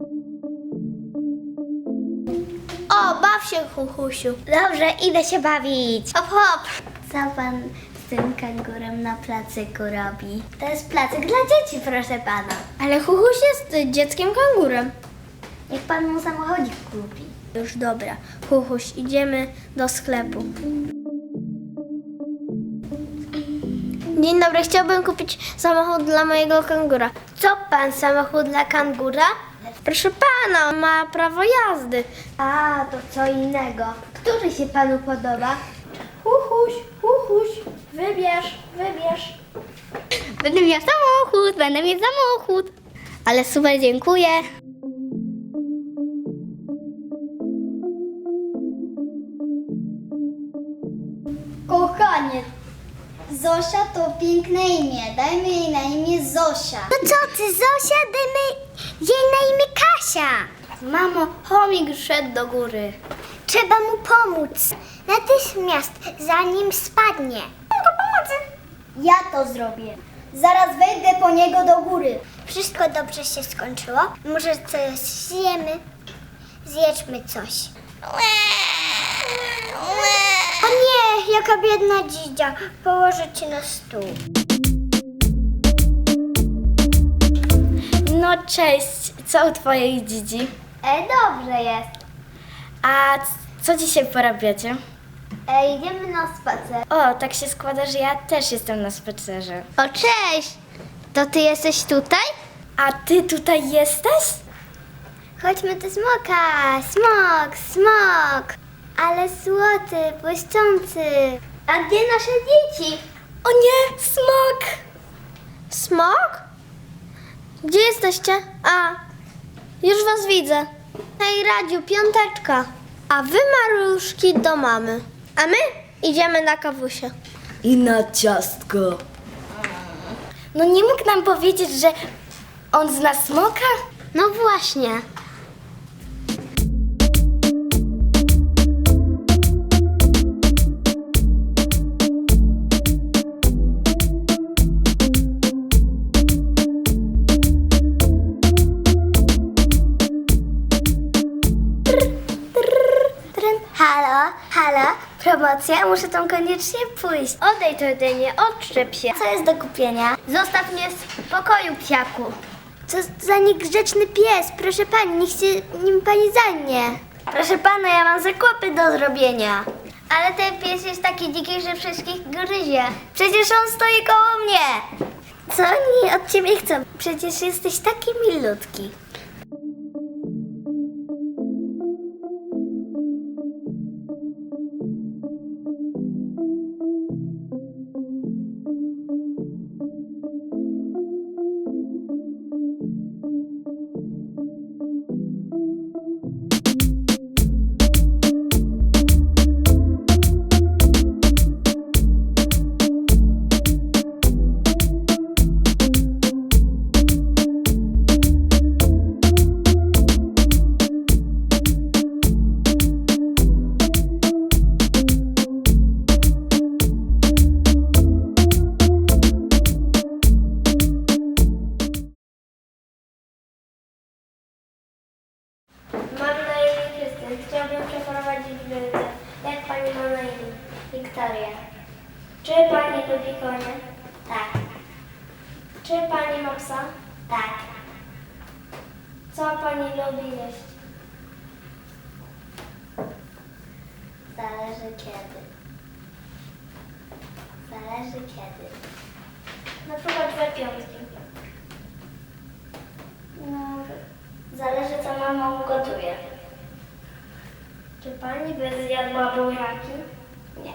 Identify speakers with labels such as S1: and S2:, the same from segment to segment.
S1: O, baw się, Huchusiu. Dobrze, idę się bawić. Hop, hop. Co pan z tym kangurem na placyku robi? To jest placyk dla dzieci, proszę pana. Ale Huchuś jest dzieckiem kangurem. Niech pan mu samochodzik kupi. Już dobra. Huchuś, idziemy do sklepu. Dzień dobry, chciałbym kupić samochód dla mojego kangura. Co pan, samochód dla kangura? Proszę pana, ma prawo jazdy. A, to co innego. Który się panu podoba? Huchuś, Huchuś, wybierz. Będę miał samochód. Ale super, dziękuję. Kochanie, Zosia to piękne imię. Dajmy jej na imię Zosia. No co ty, Zosia? Dajmy jej na imię Kasia. Mamo, chomik szedł do góry. Trzeba mu pomóc. Natychmiast, zanim spadnie. Mogę pomocy. Ja to zrobię. Zaraz wejdę po niego do góry. Wszystko dobrze się skończyło. Może coś zjemy? Zjedźmy coś. O nie, jaka biedna dzidzia. Położę cię na stół. No cześć, co u twojej dzidzi? Dobrze jest. A co dzisiaj porabiacie? Idziemy na spacer. O, tak się składa, że ja też jestem na spacerze. O, cześć! To ty jesteś tutaj? A ty tutaj jesteś? Chodźmy do smoka. Smok. Ale złoty, błyszczący. A gdzie nasze dzieci? O nie, smok! Smok? Gdzie jesteście? A, już was widzę. Hej, Radziu, piąteczka. A wy, maluszki, do mamy. A my idziemy na kawusie.
S2: I na ciastko.
S1: No nie mógł nam powiedzieć, że on zna smoka? No właśnie. Halo, promocja, muszę tam koniecznie pójść. Odejdź ode mnie, odczep się. Co jest do kupienia? Zostaw mnie w spokoju, psiaku. Co za niegrzeczny pies, proszę pani, niech się nim pani zajmie. Proszę pana, ja mam zakupy do zrobienia. Ale ten pies jest taki dziki, że wszystkich gryzie. Przecież on stoi koło mnie. Co oni od ciebie chcą? Przecież jesteś taki milutki. Mam na imię Krystian. Chciałbym przeprowadzić wizytę. Jak pani ma na imię? Wiktoria. Czy pani lubi konie? Tak. Czy pani ma psa? Tak. Co pani lubi jeść? Zależy kiedy. Na przykład we piątki. No, zależy co mama ugotuje. Czy pani by zjadła buraki? Nie.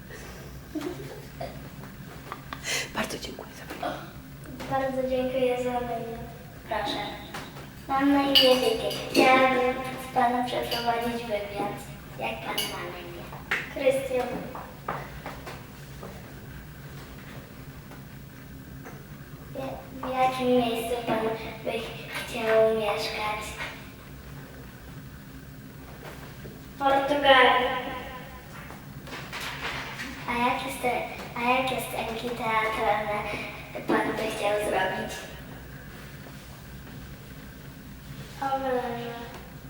S2: Bardzo dziękuję za pytanie.
S1: Bardzo dziękuję za maila. Proszę. Mam na imię Wiki. Chciałabym z panem przeprowadzić wywiad. Jak pan ma na imię? Krystian. W jakim miejscu pan by chciał mieszkać? W Portugalii. A jakie scenki teatralne pan by chciał zrobić? Dobrze.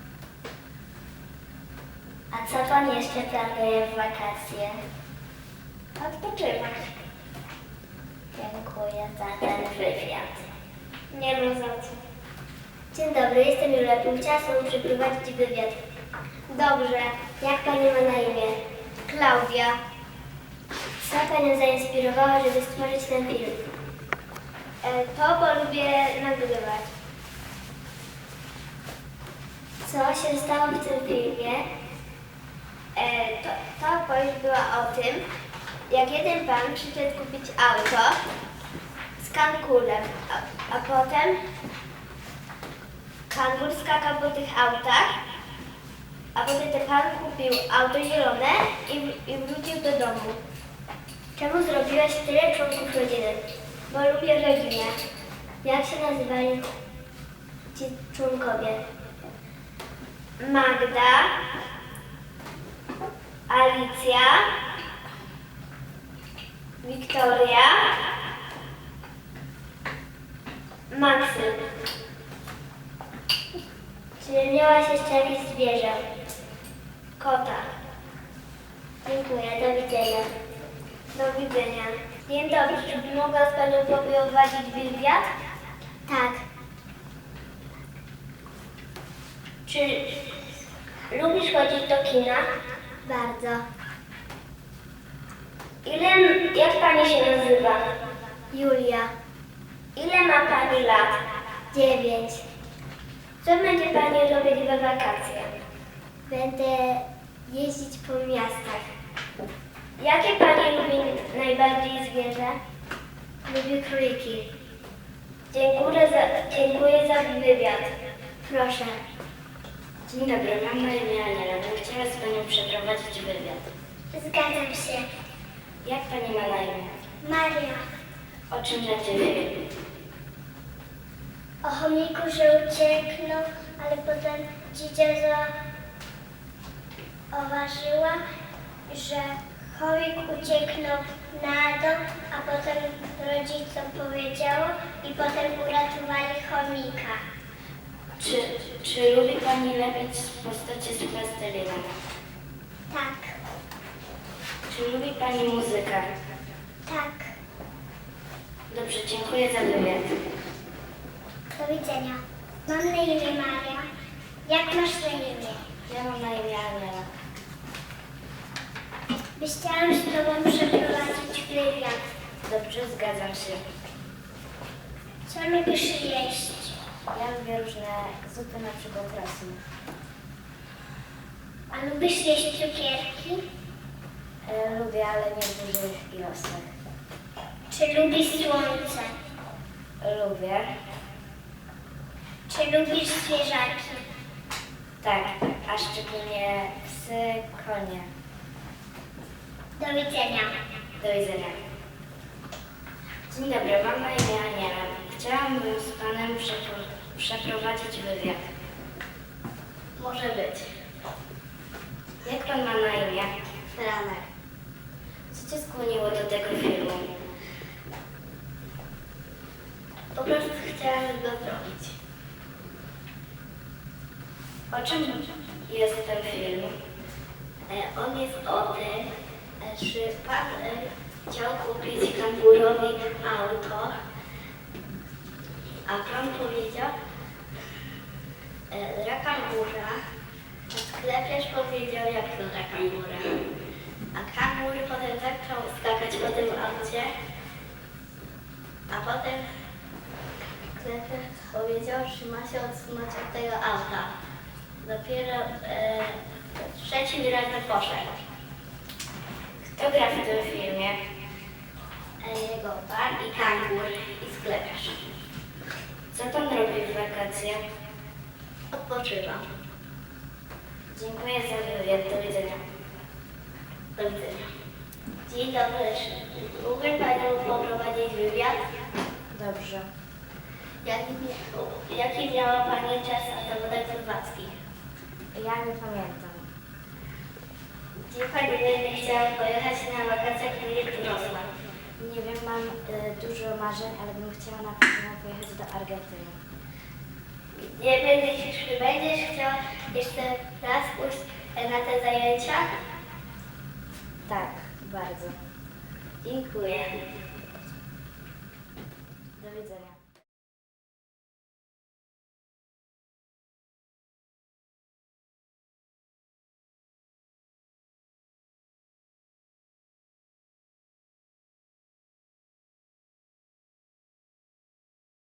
S1: A co pan jeszcze planuje w wakacje?
S3: Odpoczywać.
S1: Dziękuję za ten wywiad.
S3: Nie ma za co.
S1: Dzień dobry, jestem Julia. Chciałam sobie przeprowadzić wywiad.
S3: Dobrze.
S1: Jak pani ma na imię?
S3: Klaudia.
S1: Co panią zainspirowało, żeby stworzyć ten film?
S3: To, bo lubię nagrywać.
S1: Co się stało w tym filmie?
S3: Ta opowieść była o tym, jak jeden pan przyszedł kupić auto z kangurem, a potem kangur skakał po tych autach, a potem ten pan kupił auto zielone i wrócił do domu.
S1: Czemu zrobiłaś tyle członków rodziny?
S3: Bo lubię rodzinę.
S1: Jak się nazywali ci członkowie?
S3: Magda, Alicja, Wiktoria, Maksym.
S1: Czy miałaś jeszcze jakieś zwierzę?
S3: Kota.
S1: Dziękuję, do widzenia.
S3: Do widzenia. Dzień dobry, czy mogła z Panią poprowadzić wywiad?
S1: Tak.
S3: Czy lubisz chodzić do kina?
S1: Bardzo.
S3: Jak Pani się nazywa?
S1: Julia.
S3: Ile ma Pani lat?
S1: 9.
S3: Co będzie Pani robić we wakacje?
S1: Będę jeździć po miastach.
S3: Jakie Pani lubi najbardziej zwierzę?
S1: Lubię króliki.
S3: Dziękuję za wywiad.
S1: Proszę.
S2: Dzień dobry, mam na imię Aniela. Bym chciała z Panią przeprowadzić wywiad.
S1: Zgadzam się.
S2: Jak Pani ma na imię?
S1: Maria.
S2: O czym będzie film?
S1: O chomiku, że ucieknął, ale potem dzidzia zauważyła, że chomik ucieknął na dół, a potem rodzicom powiedziało i potem uratowali chomika.
S2: Czy lubi Pani lepić postacie z plastelina?
S1: Tak,
S2: Czy lubi Pani muzykę?
S1: tak.
S2: Dobrze, dziękuję za wywiad.
S1: Do widzenia. Mam na imię Maria. Jak masz na imię?
S2: Ja mam na imię Aniela.
S1: Chciałam z Tobą przeprowadzić wywiad.
S2: Dobrze, zgadzam się.
S1: Co lubisz jeść?
S2: Ja lubię różne zupy, na przykład rosół.
S1: A lubisz jeść cukierki?
S2: Lubię, ale nie w dużych ilościach.
S1: Czy lubisz słońce?
S2: Lubię.
S1: Czy lubisz zwierzaki?
S2: Tak, a szczególnie psy, konie.
S1: Do widzenia.
S2: Do widzenia. Dzień dobry, mam na imię Aniela. Chciałabym z Panem przeprowadzić wywiad.
S1: Może być.
S2: Jak Pan ma na imię?
S1: Franek.
S2: Co Cię skłoniło do tego filmu?
S1: Po prostu chciałam go zrobić.
S2: O czym jest ten film?
S1: On jest o tym, że pan chciał kupić kangurowi auto, a pan powiedział dla kangura, a sklepiarz powiedział jak to dla kangura. A kangur potem zaczął skakać po tym aucie, a potem sklepiarz powiedział, że ma się odsunąć od tego auta. Dopiero trzecim razem poszedł.
S2: Kto gra w tym filmie?
S1: Jego pan i kangur i sklepiarz.
S2: Co Pan robi w wakacje?
S1: Odpoczywam.
S2: Dziękuję za wywiad. Do widzenia.
S1: Do widzenia. Dzień dobry. Mógłby Panią poprowadzić wywiad?
S2: Dobrze.
S1: Jaki miała Pani czas na zawodach pływackich?
S2: Ja nie pamiętam.
S1: Gdzie Pani będzie chciała pojechać na wakacjach w Wrocław?
S2: Nie wiem, mam dużo marzeń, ale bym chciała na pewno pojechać do Argentyny.
S1: Nie będziesz chciał jeszcze raz pójść na te zajęcia?
S2: Tak, bardzo. Dziękuję. Do widzenia.